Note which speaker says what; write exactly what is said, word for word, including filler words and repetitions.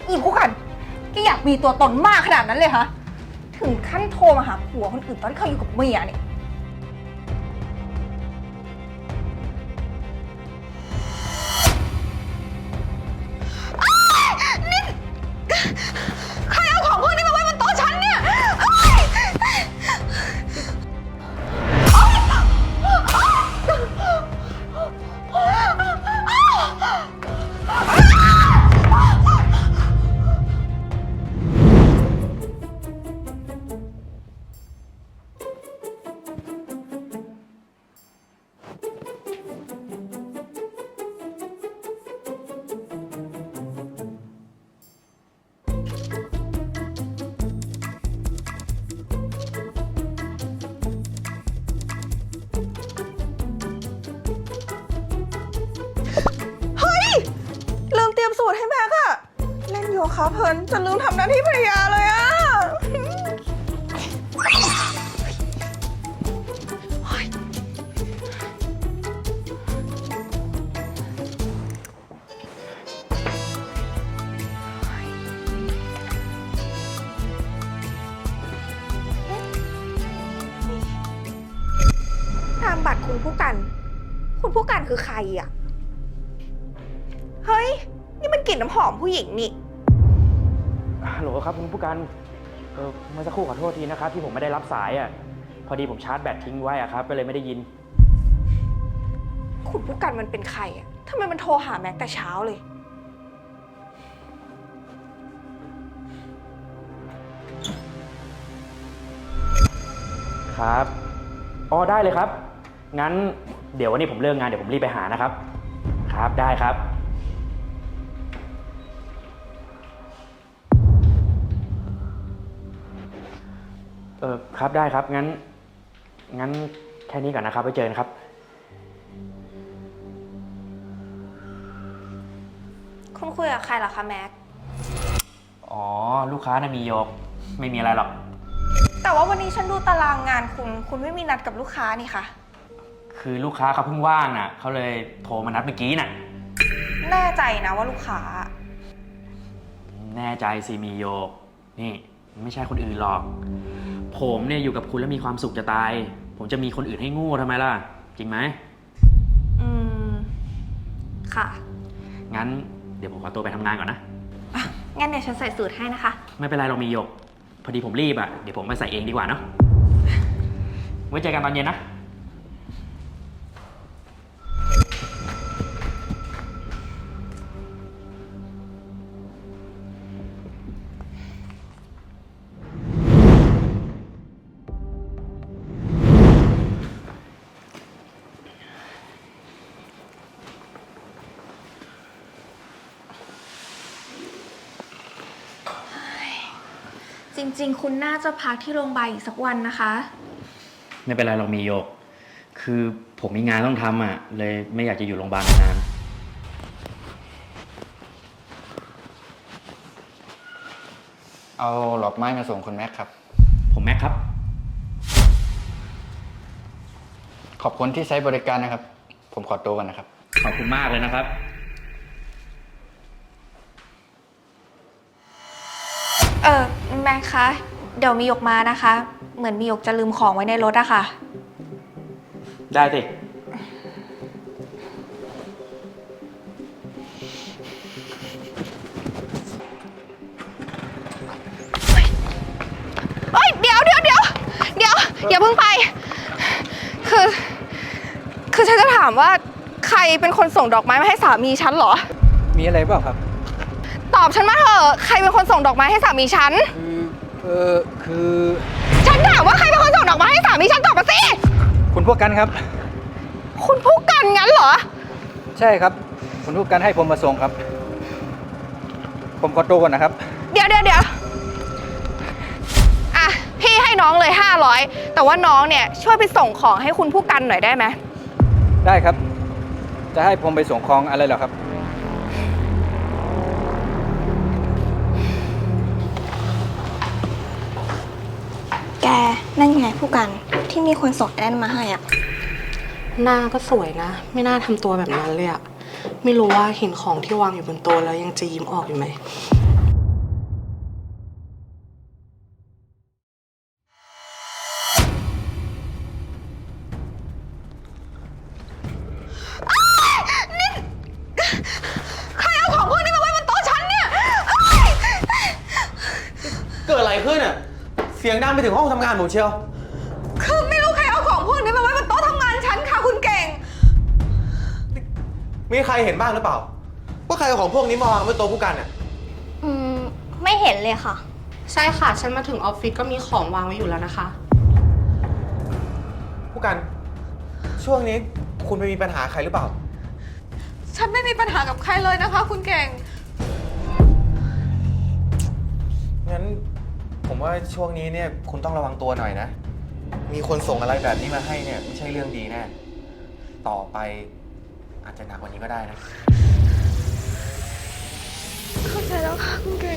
Speaker 1: อีพวกกันแกอยากมีตัวตนมากขนาดนั้นเลยฮะถึงขั้นโทรมาหาผัวคนอื่นตอนที่เขาอยู่กับเมียเนี่ยนี่ใครเอาของพวกนี้มาไว้บนโต๊ะฉันเนี่ยลืมเตรียมสูตรให้แม็กอะเล่นโยคะเพลินจะลืมทำหน้าที่ภรรยาเลยอะนามบัตรคุณผู้กัน คุณผู้กันคือใครอะเฮ้ย นี่มันกลิ่นน้ำหอมผู้หญิงนี่
Speaker 2: ฮัลโหลครับคุณผู้การเออเมื่อสักครู่ขอโทษทีนะครับที่ผมไม่ได้รับสายอ่ะพอดีผมชาร์จแบตทิ้งไว้อ่ะครับก็เลยไม่ได้ยิน
Speaker 1: คุณผู้กันมันเป็นใครอะทำไมมันโทรหาแม็กแต่เช้าเลย
Speaker 2: ครับอ๋อได้เลยครับงั้นเดี๋ยววันนี้ผมเลิกงานเดี๋ยวผมรีบไปหานะครับครับได้ครับเออครับได้ครับงั้นงั้นแค่นี้ก่อนนะครับไว้เจอกันครับ
Speaker 1: คุณคุยกับใครเหรอคะแม็ก
Speaker 2: อ๋อลูกค้าน่ะมีโยกไม่มีอะไรหรอก
Speaker 1: แต่ว่าวันนี้ฉันดูตารางงานคุณคุณไม่มีนัดกับลูกค้านี่คะ
Speaker 2: คือลูกค้าเขาเพิ่งว่างน่ะเขาเลยโทรมานัดเมื่อกี้น่ะ
Speaker 1: แน่ใจนะว่าลูกค้า
Speaker 2: แน่ใจสิมีโยกนี่ไม่ใช่คนอื่นหรอกผมเนี่ยอยู่กับคุณแล้วมีความสุขจะตายผมจะมีคนอื่นให้งูทำไมล่ะจริงไหม
Speaker 1: อืมค่ะ
Speaker 2: งั้นเดี๋ยวผมขอตัวไปทำงานก่อนนะ
Speaker 1: อ่ะงั้นเดี๋ยวฉันใส่สูตรให้นะคะ
Speaker 2: ไม่เป็นไรเรามีโยกพอดีผมรีบอ่ะเดี๋ยวผมไปใส่เองดีกว่าเนาะไว้เจอกันตอนเย็นนะ
Speaker 1: จริงๆคุณน่าจะพักที่โรงพยาบาลอีกสักวันนะคะ
Speaker 2: ไม่เป็นไรเรามีโยกคือผมมีงานต้องทำอ่ะเลยไม่อยากจะอยู่โรงพยาบาลนาน
Speaker 3: เอาหลอกไม้มาส่งคุณแม็กครับ
Speaker 2: ผมแม็กครับ
Speaker 3: ขอบคุณที่ใช้บริการนะครับผมขอตัวกันนะครับ
Speaker 2: ขอบคุณมากเลยนะครับ
Speaker 1: เออแม่คะเดี๋ยวมีหยกมานะคะเหมือนมีหยกจะลืมของไว้ในรถอะค่ะ
Speaker 2: ได้สิ
Speaker 1: เฮ้ยเดี๋ยวเดี๋ยวเดี๋ยวเดี๋ยวอย่าเพิ่งไปคือคือฉันจะถามว่าใครเป็นคนส่งดอกไม้มาให้สามีฉันเหรอ
Speaker 3: มีอะไรเปล่าครับ
Speaker 1: ตอบฉันมาเถอะใครเป็นคนส่งดอกไม้ให้สามีฉัน
Speaker 3: คือเออคือ
Speaker 1: ฉันถามว่าใครเป็นคนส่งดอกไม้ให้สามีฉันตอบมาสิ
Speaker 3: คุณพวกกันครับ
Speaker 1: คุณผู้กันงั้นเหรอ
Speaker 3: ใช่ครับคุณพวกกันให้ผมมาส่งครับผมขอตัวก่อนนะครับ
Speaker 1: เดี๋ยวเดี๋ยวเดี๋ยวอ่ะพี่ให้น้องเลยห้าร้อยแต่ว่าน้องเนี่ยช่วยไปส่งของให้คุณผู้กันหน่อยได้ไหม
Speaker 3: ได้ครับจะให้ผมไปส่งของอะไรเหรอครับ
Speaker 1: แกนั่นไงผู้กันที่มีคนส่งแอนมาให้อ่ะ
Speaker 4: หน้าก็สวยนะไม่น่าทำตัวแบบนั้นเลยอะไม่รู้ว่าเห็นของที่วางอยู่บนโต๊ะแล้วยังจะยิ้มออกอยู่ไหม
Speaker 5: สียงดังไปถึงห้องทำงานผมเชียว
Speaker 1: คือไม่รู้ใครเอาของพวกนี้มาไว้บนโต๊ะทำงานฉันค่ะคุณเก่ง
Speaker 5: มีใครเห็นบ้างหรือเปล่า ว่าใครเอาของพวกนี้มาวางบนโต๊ะผู้กันเนี่ย
Speaker 6: อืม ไม่เห็นเลยค่ะ
Speaker 4: ใช่ค่ะ ฉันมาถึงออฟฟิศก็มีของวางไว้อยู่แล้วนะคะ
Speaker 5: ผู้กัน ช่วงนี้คุณไปมีปัญหาใครหรือเปล่า
Speaker 1: ฉันไม่มีปัญหากับใครเลยนะคะ คุณเก่ง
Speaker 5: งั้นผมว่าช่วงนี้เนี่ยคุณต้องระวังตัวหน่อยนะ มีคนส่งอะไรแบบนี้มาให้เนี่ยไม่ใช่เรื่องดีแน่ ต่อไปอาจจะหนักกว่านี้ก็ได้นะ
Speaker 1: เข้าใจแล้วค่ะคุณเก่ง